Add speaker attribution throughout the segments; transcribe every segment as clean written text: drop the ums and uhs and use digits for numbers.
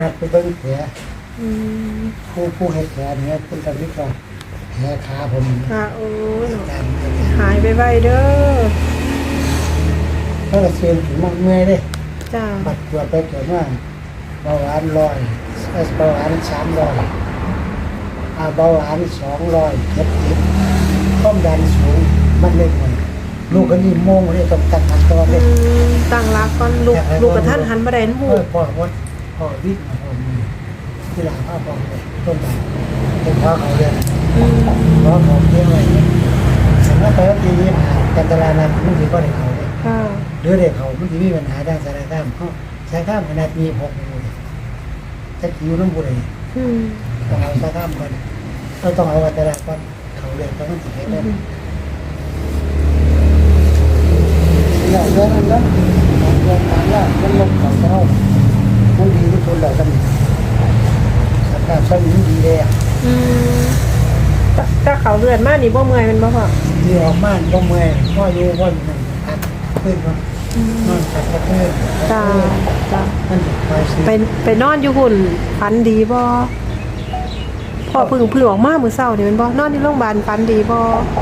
Speaker 1: ไปเบิ่งแผลผู้เห็ดแผลเนี่ยเป็นกันที่ก่อนแผลขาผม
Speaker 2: ค่ะโอ้ยหายไปไวเด้อ
Speaker 1: เพราะเสียงถึงมันเมื่อยเลย
Speaker 2: จ้า
Speaker 1: บัดปวดไปเกิดว่าเบาหวาน100เบาหวาน300เบาหวาน270ความดันสูงมันเล็กหน่อยลูกก็นี่โมงเลยต้องตั้งหลักก่อนเลย
Speaker 2: ตั้งหลักก่อนลูกกระทันหันบ่ได้หู
Speaker 1: พ่อวิ่งมาพ่อมีที่หลังพ่อเลยต้นไม้เป็นพ่อเขาเลยพ่อเขาเลี้ยงไว้แต่ว่าไปว่าปีนี้การตลาดนั้นมันถือว่าเด็กเขาเลยหรือเด็กเขามันถือมีปัญหาด้านสารข้ามเขาสารข้ามขนาดมี6นิ้วจะคิวน้ำบุหรี่ต้องเอาสารข้ามก่อนเราต้องเอาตลาดก่อนเขาเลยต้องถือให้ได้เนี่ยเรื่องนั้นเรื่องการว่ามันลงเขาเท้ามันดีที่สุดแล้วกันสารข้ามสมิงดีเลย
Speaker 2: ถ้าเขาเลือดมากนี่บ่เมื่อยมันบ่พอ
Speaker 1: ที่ออกมาบ่เมื่อยพ่ออยู่พ่อนั่นพักขึ้นมานอนพักขึ้น
Speaker 2: จ้า
Speaker 1: มัน
Speaker 2: ไปนอนอยู่หุ่นฝันดีบ่พ่อเพิ่งออกมามื้อเช้านี่แม่นบ่นอนที่โรงพยาบาลฝันดีบ่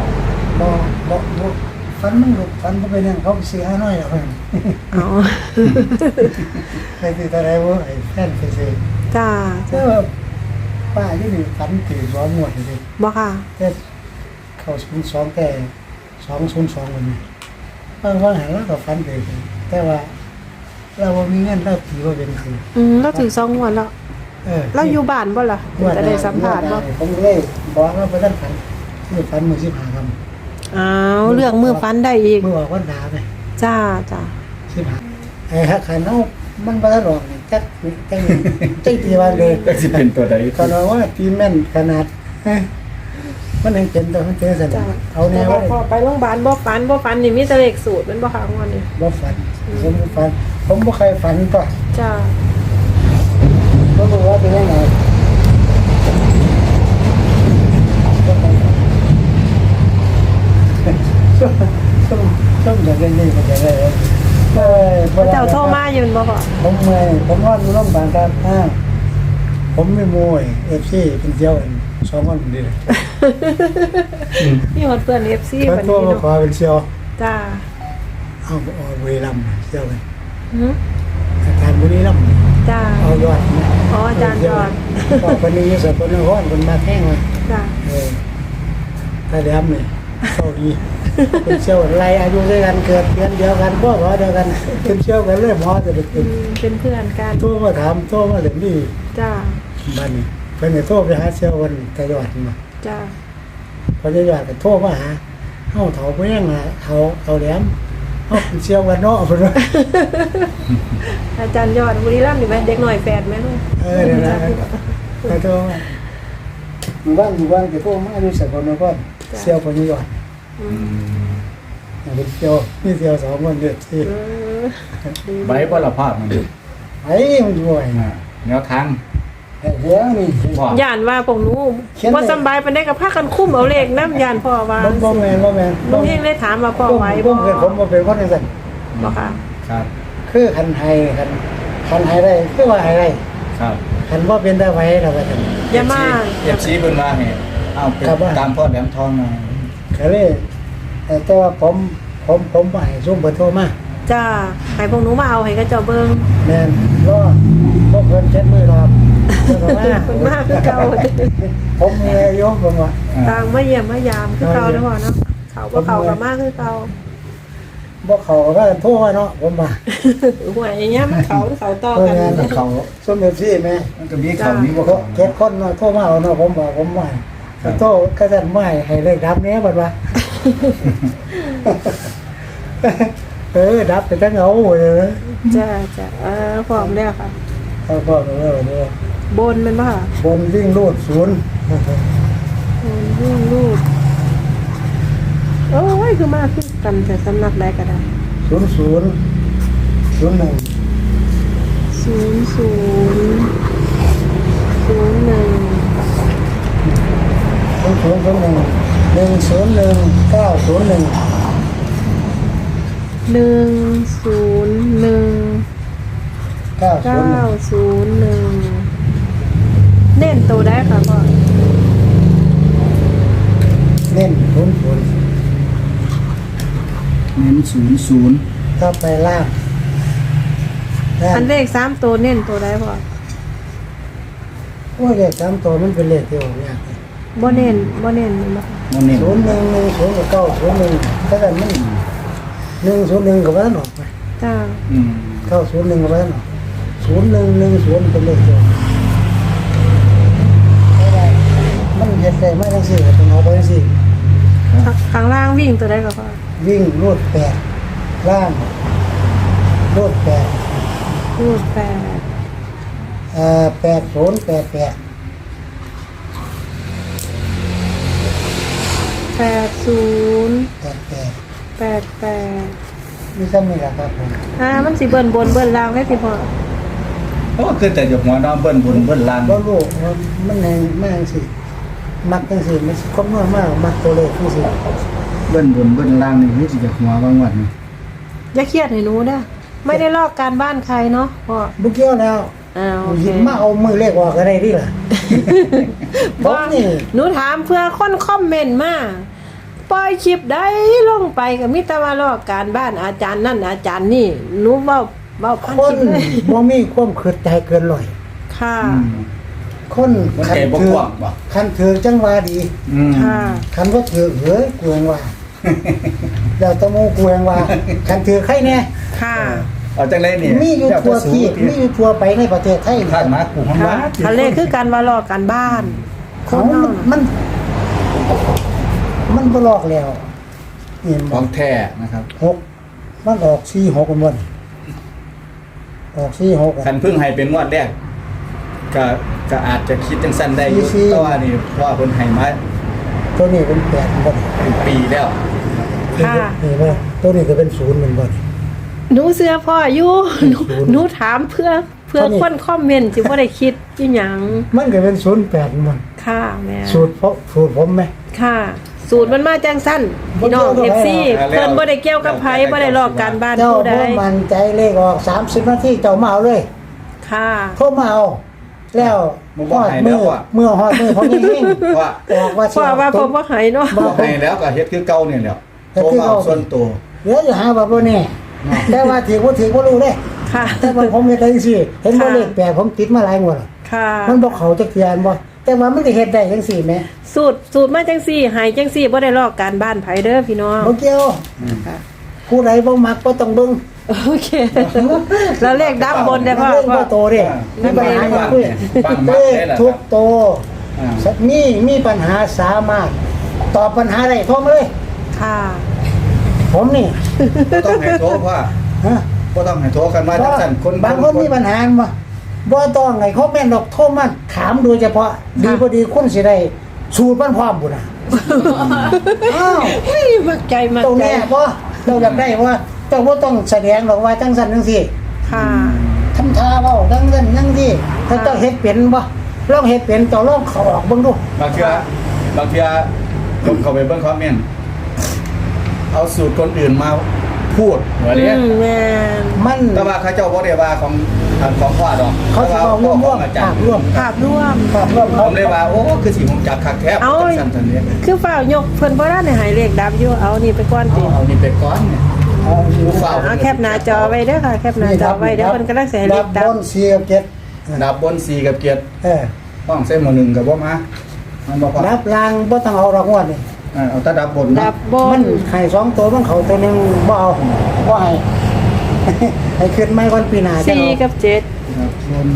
Speaker 1: ฝันมันหลุดฝันบ่ไปนั่งเขาไปซื้อน้อยแล้วเพิ่น
Speaker 2: อ๋อ
Speaker 1: ไปซื้อตะไดบ่ไอ้แฟนไปซื้อ
Speaker 2: จ้า
Speaker 1: ป้าที่นี่ฝันถือร้อนหมดเลย
Speaker 2: บ่ค่ะ
Speaker 1: แต่เข้า02แต่202วันนี้ว่าหาแล้วก็ฝันถือแต่ว่าเราบ่มีเงินเราถือว่าเป็นคือ
Speaker 2: เราถือ2งวดแล้วเราอยู่บ้านบ่ล่ะจะได้สัมภาษณ์บ่
Speaker 1: ผมเลยบอกว่าบ่ทันฝันคือฝันมื้อ15ค่
Speaker 2: ำอ้าวเรื่องมื้อฝันได้อีก
Speaker 1: มื้อออกวันดาไป
Speaker 2: จ้า
Speaker 1: 15ไอ้ฮักขันเฮามันบ่ทันออกนี่จักที่ว่าเลย
Speaker 3: จักสิเป็นตัวใด
Speaker 1: ก็ว่าตีแม่นขนาดมันยังเป็นตัวมันเจอซั่นเอาแนวไว้
Speaker 2: พอไปโรงพยาบาลบ่ฝันนี่มีแต่เลขสูตรมันบ่ค่ะงวดนี้
Speaker 1: บ่ฝันผมบ่เคยฝันตัว
Speaker 2: จ้า
Speaker 1: บ่รู้ว่าเป็นยังไงส้มอย่างนี้มันจะได้
Speaker 2: เจ้าโทรมาอยู่บ่พ่อ
Speaker 1: ผมว่าอยู่โรงพยาบาลครับผมไม่โมย FC เป็นเดียวกัน2คนดีเลย
Speaker 2: มีหมดเพื่อน FC
Speaker 1: บัดนี้เนาะขอเป็นเซียว
Speaker 2: จ้า
Speaker 1: เอาบุรีรัมย์เซียวกันอาจารย์บุรีรัมย์
Speaker 2: จ้า
Speaker 1: เอายอด
Speaker 2: อ๋ออาจารย์ยอด
Speaker 1: ก็คนนี้สกลนครคนมาแท่งเลย
Speaker 2: จ้า
Speaker 1: ถ้าแหลมนี่เข้าดีเป็นเซียวไรอายุด้วยกันเกิดเดือนเดียวกันพ่อขอเดียวกันเป็นเซียวกันเลยหมอจะ
Speaker 2: เป็นเพื่อนกัน
Speaker 1: โทรมาถามโทรมาถึงนี่
Speaker 2: จ้า
Speaker 1: บ้านนี้เพิ่นโทรไปหาเซียววันตะยอดมา
Speaker 2: จ้า
Speaker 1: พอจะยอดก็โทรมาหาเฮาเฒ่าบ่ยังล่ะเอาแหลมเฮาเป็นเซียวกันเนาะเพิ่นว่า
Speaker 2: อาจารย์ยอดบุรีรัมย์นี่แม่เด็กน้อยแฝดแม่ลูก
Speaker 1: นั่นล่ะไปโทรมาอยู่บ้านจะโทรมาอยู่สกลนครเซียวพอจะยอดเป็นเซียวมีเซียว2คนเด้อสิ
Speaker 3: ใบบ่ละภาพมัน
Speaker 1: ไอ้มันอยู่ไอ้
Speaker 3: แนวทาง
Speaker 1: เดี๋ยวนี่
Speaker 2: ย่านว่าพวกหนูบ่สำบายปานใดก็พากันคุ้มเอาเลขนำย่านพ่อว่า
Speaker 1: บ่แม่น
Speaker 2: ลุงเฮงเลยถามว่าพ่อไหวบ่
Speaker 1: ผมบ่เป็นคนจังซั่น
Speaker 2: บ่ค่ะ
Speaker 3: ครับ
Speaker 1: คือคันให้ได้คือว่าให้ได้
Speaker 3: ครับ
Speaker 1: คันบ่เป็นได้ไว้แล้วว่าซั่น
Speaker 2: อย่ามา
Speaker 3: FC เพิ่นว่าให้เอาตามพ่อแหลมทองหน่อย
Speaker 1: ก็เลยแต่ว่าผมบ่ให้ซุ่มเพิ่นโทรมา
Speaker 2: จ้าให้พวกหนูมาเอาให้เขาเจ้าเบิ่ง
Speaker 1: แม่นบ่เพิ่นเช็ดมือรอบ
Speaker 2: เพิ่นมาคือเก่า
Speaker 1: ผมมีอายุผมว่า
Speaker 2: ต่างมาเยี่ยมมายามคือเก่าเด้อพ่อเนาะเขาบ่เข้าก็มาคือเก่า
Speaker 1: บ่เข้าก็โทรเนาะผมว่า
Speaker 2: หวยอย่างเงี้ยมันเขาต่อกัน
Speaker 1: เขาซุ่มซี่แม่
Speaker 3: มันก็มีเขามีบ่
Speaker 1: เก็บคนเนาะโทรมาเอาเนาะผมว่าโทรก็ซั่นไม่ให้เลขดับแน่บัดว่าดับไปทั้งเอาเลย
Speaker 2: จ้าพร้อมแล้วค่ะ
Speaker 1: พร้อมแล้วเนี่ย
Speaker 2: บนมันป่ะ
Speaker 1: บนวิ่งรูด0
Speaker 2: วิ่งรูดโอ้ยคือมาขึ้นกันแต่สำนักแรกก็ได้
Speaker 1: 00 01
Speaker 2: 901 901
Speaker 1: ถ้าไปล่าง
Speaker 2: อันเลข3ตัวเน้นตัวใดพ่อ
Speaker 1: โอ้ยเลข3ตัวมันเป็นเลขที่ออกยาก
Speaker 2: บ่เน้นแม่นบ่
Speaker 3: มันนี่
Speaker 1: 0110กับ901ถ้ากันมัน101กับว่าหนออกไป
Speaker 2: จ้า
Speaker 1: 901กับว่าหนอ0110เป็นเลขเดียวมันเฮ็ดได้มาจังซี่ก็ต้องเอาไปจังซี่
Speaker 2: ข้างล่างวิ่งตัวใดก็พ่อ
Speaker 1: วิ่งรูด8ล่างรูด8
Speaker 2: รูด
Speaker 1: 8088
Speaker 2: 8088
Speaker 1: มีซ้ำนี่แหละครับผม
Speaker 2: มันสิเบิ่นบนเบิ่นล่างได้สิพ่อ
Speaker 3: โอ้คือแต่หยกหัวน้องเบิ้ลบนเบิ้ลล่าง
Speaker 1: บ่รู้ว่ามันแหงมากสิมักจังซี่มันครบน้อยมากมักตัวเลขจังซี่
Speaker 3: เบิ้ลบนเบิ้ลล่างนี่คือสิหยกหัวบางวันนี่
Speaker 2: อย่าเครียดให้หนูเด้อไม่ได้ลอกการบ้านใครเนาะพ่อ
Speaker 1: บ่เกี่ยวแล้ว
Speaker 2: โอเค
Speaker 1: หยิบมาเอามือเลขออกก็ได้ดิล่ะ บอกนี่
Speaker 2: หนูถามเพื่อคนคอมเมนต์มาปล่อยคลิปได้ลงไปก็มีแต่ว่าลอกการบ้านอาจารย์นั่นอาจารย์นี่หนูเว้าพัน
Speaker 1: ค
Speaker 2: คน ลิปเลย
Speaker 1: บ่มีความคิดใจเกินร้อย
Speaker 2: ค่ะ
Speaker 1: คน
Speaker 3: มัน
Speaker 1: คั
Speaker 3: ใจบ่
Speaker 1: ถื
Speaker 3: กว้างบ่
Speaker 1: คันถือจังว่าดี
Speaker 2: ค่ะ
Speaker 1: คันบ่ถือเฮ้ยกวงว่าแล้วตะโมกวงว่าคันถือใครแน่
Speaker 2: ค่ะ
Speaker 3: เอาจังได๋นี่
Speaker 1: มีอยู่ทั่วที่มีอยู่ทั่วไปในประเทศไทย
Speaker 3: ท่านมากูของ
Speaker 2: ค่ะ
Speaker 3: ว่า
Speaker 2: ทะเลคือการว่าลอกการบ้าน
Speaker 1: เขามันบ่ลอกแล้วนี่
Speaker 3: ข
Speaker 1: มั
Speaker 3: อน งแท้นะครับ
Speaker 1: มันออก46กันบ่ออก46
Speaker 3: คันเพิ่งให้เป็นงวดแรกก็อาจจะคิดจังซั่นได้อยู่
Speaker 1: สี่
Speaker 3: แต่ว่านี่เพราะว่าเพิ่นให้มา
Speaker 1: ตัวนี้เป็น8บ่
Speaker 3: เป็นปีแล้ว
Speaker 2: ค่ะ
Speaker 1: นี่ว่าตัวนี้ก็เป็น0มันบ่
Speaker 2: หนูเสื้อพ่ออยู่หนู
Speaker 1: ศูนย์
Speaker 2: หนูถามเพื่อ
Speaker 1: เท่านี้
Speaker 2: คนคอมเมนต์สิบ่ได้คิดอีหยัง
Speaker 1: มันก็เป็น08มัน
Speaker 2: ค่ะแม่
Speaker 1: สูตรผมไหม
Speaker 2: ค่ะ สูตรมันมาจังสั้นพี่น้อง
Speaker 1: บ่เกี่ยวกับ
Speaker 2: FC
Speaker 3: อะไร
Speaker 2: เพิ่นบ่ได้เกี่ยวกับไผบ่ได้ลอกการบ้าน
Speaker 1: เจ้า
Speaker 2: ผู้ใด
Speaker 1: พ่อมันใจเลขออก30นาทีเจ้ามาเอาเลย
Speaker 2: ค่ะ
Speaker 1: โทรมาเอาแล้ว
Speaker 3: มึงบ่ให้แล้วอะ
Speaker 1: เมื่อฮอดมือผมยังเฮง
Speaker 3: ว่า
Speaker 1: ออกว่า
Speaker 2: เพราะว่าผมบ่ให้เนาะ
Speaker 3: บ่ให้แล้วก็เฮ็ดคือเก่านี่แหละโทรมาเอาส่วนตัว
Speaker 1: เดี๋ยวจะหาว่าบ่แน่แต่ว่าถือบ่รู้เด้
Speaker 2: ค่ะ
Speaker 1: แต่ว่าผมเฮ็ดได้จังซี่เห็นบ่เลขแปดผมติดมาหลายงวดแล้ว
Speaker 2: ค่ะ
Speaker 1: มันบ่เข้าจักเทื่ออันบ่แต่ว่ามันก็เฮ็ดได้จังซี่แหม
Speaker 2: สูตรมาจังซี่ให้จังซี่บ่ได้ลอกการบ้านไผเด้อพี่น้อง
Speaker 1: บ่เกี่ยว
Speaker 2: ค่ะ
Speaker 1: ผู้ใดบ่มักบ่ต้องเบิ่ง
Speaker 2: โอเค แล้วเลขดับบนได้พ่อ
Speaker 1: เรื่องบ่โตเด้มีปัญหาอย่าคุย
Speaker 3: ฟัง
Speaker 1: เล
Speaker 3: มาก
Speaker 1: ข
Speaker 3: ได้ล่ะ
Speaker 1: ทุกโต
Speaker 3: อ่า
Speaker 1: มีปัญหาสามารถตอบปัญหาได้โทรมาเลย
Speaker 2: ค่ะ
Speaker 1: ผมนี่
Speaker 3: บ่ต้องให้โทรว่า
Speaker 1: ฮะ
Speaker 3: บ่ต้องให้โทรกันมาจังซั่นคน
Speaker 1: บางคนมีปัญหาบ่ต้องให้เขาแม่นดอกโทรมาถามโดยเฉพาะดีบ่ดีคุณสิได้สูตรมันพร้อมบุญน่ะอ้าว
Speaker 2: เฮ้ยมักใจมัก
Speaker 1: ตรง
Speaker 2: ใจ
Speaker 1: แน่บ่เราอยากได้ว่าเจ้าบ่ต้องแสดงหรอกว่าจังซั่นจังซี่
Speaker 2: ค่ะ
Speaker 1: ทำท่าเว้าจังซั่นจังซี่ถ้าเจ้าเฮ็ดเป็นบ่ลองเฮ็ดเป็นเจ้าลองเข้าออกเบิ่งดู
Speaker 3: บางเทื่ผมเข้าไปเบิ่งคอมเมนต์เอาสูตรคนอื่นมาพูดว่าเนี้ย
Speaker 2: แม่น
Speaker 1: มัน
Speaker 3: แต่ว่าเขาเจ้าบ่ได้ว่าของพ่อดอก
Speaker 1: เขาสิเอาร่วม
Speaker 3: ของอาจารย์
Speaker 1: ร่วม
Speaker 2: ภาพร่วม
Speaker 1: ครับร่วม
Speaker 3: ผ
Speaker 1: เขา
Speaker 3: มเลยว่าโอ้คือสิผมจักคักแท้
Speaker 2: เอา
Speaker 3: จังซั่นซั่นนี้
Speaker 2: คือฝ้าวยกเพิ่นบ่ได้ให้เลขดับอยู่เอานี่ไปก่อนติ
Speaker 3: เอานี่ไปก่อนเนี่ย
Speaker 1: เอาอยู่
Speaker 3: ผู้ฝ้าว
Speaker 2: เอาแคปหน้าจอไว้เด้อค่ะแคปหน้าจอไว้เด้อเพิ่นกำลังสิให้เลขดั
Speaker 1: บบ นเสียบเก็ด
Speaker 3: ดับบน4กับเกียรติ
Speaker 1: เออ
Speaker 3: ห้องเส้นหมู่1ก็บ่มามันบ่พอ
Speaker 1: ดับลางบ่ต้องเอาดอกงวดนี่
Speaker 3: เอาแต่ดับบน
Speaker 2: ดั
Speaker 3: นะ
Speaker 2: บบ
Speaker 1: มัน นให้สองตัวมันเขาตัวหนึงบ่เอาบ่ให้ ให้ขึ้นไม่วันปีหน้าจะ
Speaker 2: 4
Speaker 1: เอา
Speaker 2: กับ
Speaker 3: ดับบน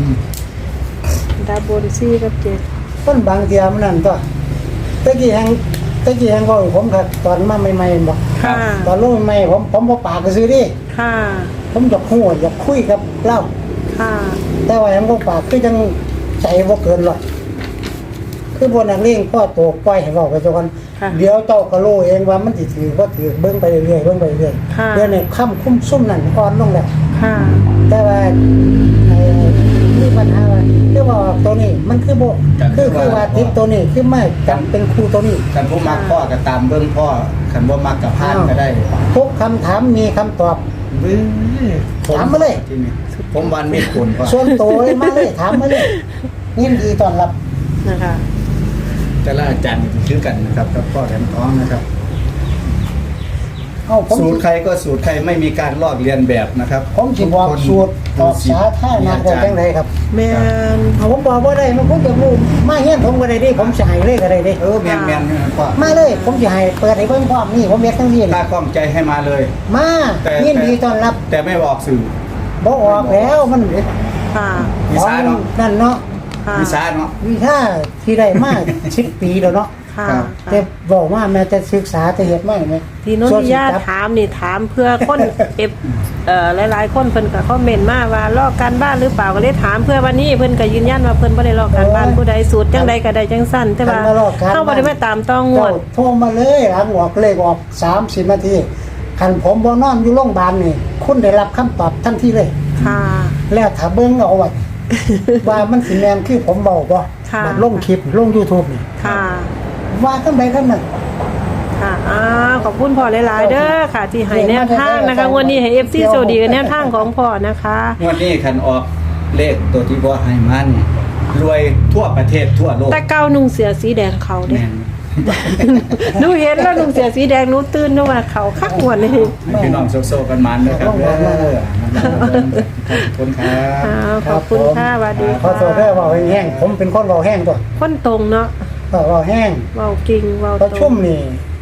Speaker 2: 7ดับบน4กับ7
Speaker 1: ต้นบางเทียมันนั่นตัวตะกี้แฮงก็ผมครับตอนมาใหม่ๆบ่
Speaker 2: ค่ะ
Speaker 1: ตอนลงใหม่ผมบ่ปากก็ซื้อดิ
Speaker 2: ค่ะ
Speaker 1: ผมอยากฮู้อยากคุยกับเล่า
Speaker 2: ค่ะ
Speaker 1: แต่ว่าแฮงบ่ปากคือจังใจบ่เกินหรอกคือบ่นักเลงพ่อโตปล่อยให้เว้าไปซะก่อน
Speaker 2: ค่ะ
Speaker 1: เดี๋ยวเจ้าก็รู้เองว่ามันสิถือบ่ถือเบิ่งไปเรื่อยๆเบิ่งไปเรื่อย
Speaker 2: ค่ะ
Speaker 1: เดี๋ยวนี้ค่ำคุ้มซุ่มนั่นอ่อนลงแล้ว
Speaker 2: ค่ะ
Speaker 1: แต่ว่ามีปัญหาว่าคือว่าตัวนี้มันคือบ่คือว่าติดตัวนี้คือไม่จำเป็นครูตัวนี้
Speaker 3: คันผู้มักพ่อก็ตามเบิ่งพ่อคันบ่มักก็ผ่านก็ได้
Speaker 1: ทุกคำถามมีคำตอบ
Speaker 3: บื้อ
Speaker 1: ถามมาเลย
Speaker 3: ที่นี่ผมวันมีผลพ่อ
Speaker 1: ส่วนตัวมาเลยถามมาเลยยินดีต้อนรับ
Speaker 2: นะคะ
Speaker 3: แต่ละอาจารย์คือกันนะครับกับพ่อแถมท้องนะครับ
Speaker 1: เอาผม
Speaker 3: สูตรใครก็สูตรใครไม่มีการลอกเลียนแบบนะครับ
Speaker 1: ผมสิบอกสูตรออกสาธารณะได้จังไดครับ
Speaker 2: แม่น
Speaker 1: เอาผมบอกว่าได้มันผมจะรู้มาเฮียนผมก็ได้ดิผมสิให้เลยก็ได้ดิ
Speaker 3: แมนพ่อ
Speaker 1: มาเลยผมสิให้เปิดให้เบิ่งพร้อมนี่ผมเฮ็ดทั้งนี้
Speaker 3: ถ้าคล่องใจให้มาเลย
Speaker 1: มา
Speaker 3: แต่
Speaker 1: ยินดีต้อนรับ
Speaker 3: แต่ไม่บอกสื่อ
Speaker 1: บ่ออกแล้วมัน
Speaker 2: ค่ะ
Speaker 3: วิสาเนาะ
Speaker 1: นั่นเนาะ
Speaker 2: ค่ะ
Speaker 3: วิสาเนาะ
Speaker 1: วิชาที่ได้มา 10 ปีแล้วเนาะ
Speaker 2: ค่ะ
Speaker 3: ครับ
Speaker 1: แต่บอกว่าแม้แต่ศึกษาแต่เฮ็ดมาไหม
Speaker 2: ที่โนนทิยาถามนี่ถามเพื่อคน เอฟหลายๆคนเพิ่นก็คอมเมนต์มาว่าลอกการบ้านหรือเปล่าก็เลยถามเพื่อวันนี้เพิ่นก็ยืนยันว่าเพิ่นบ่ได้ลอกการบ้านผู้ใดสูตรจังใดก็ได้จังสั้นแต่ว่าเฮาบ่ได้มาตามต้องงว
Speaker 1: เจ้า
Speaker 2: ด
Speaker 1: โทรมาเลยหลังออกเลขออก30นาทีคันผมบ่นอนอยู่โรงพยาบาลนี่คุณได้รับคำตอบทันทีเลย
Speaker 2: ค่ะ
Speaker 1: แล้วถ้าเบิ่งเอา ว่ามันสิแม่นคือผมเว้าบ่
Speaker 2: ค่ะ
Speaker 1: บัดลงคลิปลง YouTube นี่
Speaker 2: ค่ะ
Speaker 1: ว่ากันใดกันนั้น
Speaker 2: ค่ะขอบคุณพ่อหลายๆเด้อค่ะ ที่ให้แนวทางนะคะวันนี้ให้ FC โชคดีกับแนวทางของพ่อนะคะ
Speaker 3: งวันนี้คันออกเลขตัวที่บ่ให้มันรวยทั่วประเทศทั่วโลก
Speaker 2: แต่เก้านุ่งเสือสีแดงเขาเด้
Speaker 3: แม่น
Speaker 2: หนูเห็นแล้วนุ่งเสือสีแดงหนูตื่นนึกว่าเขาคักหวนนี่
Speaker 3: ให้พี่น้องโซกันมันนะครับขอบคุณครับ
Speaker 2: ขอบคุณค่ะสวัสดี
Speaker 1: ขอ
Speaker 2: ค่ะ
Speaker 1: โทษเด้อเว้าแห้งๆผมเป็นคนเว้าแห้งตัว
Speaker 2: คนตรงเนาะ
Speaker 1: เว้าแห้ง
Speaker 2: เว้ากิ่งเว้า
Speaker 1: ประ
Speaker 2: ตร
Speaker 1: ชุม
Speaker 2: ง
Speaker 1: นี่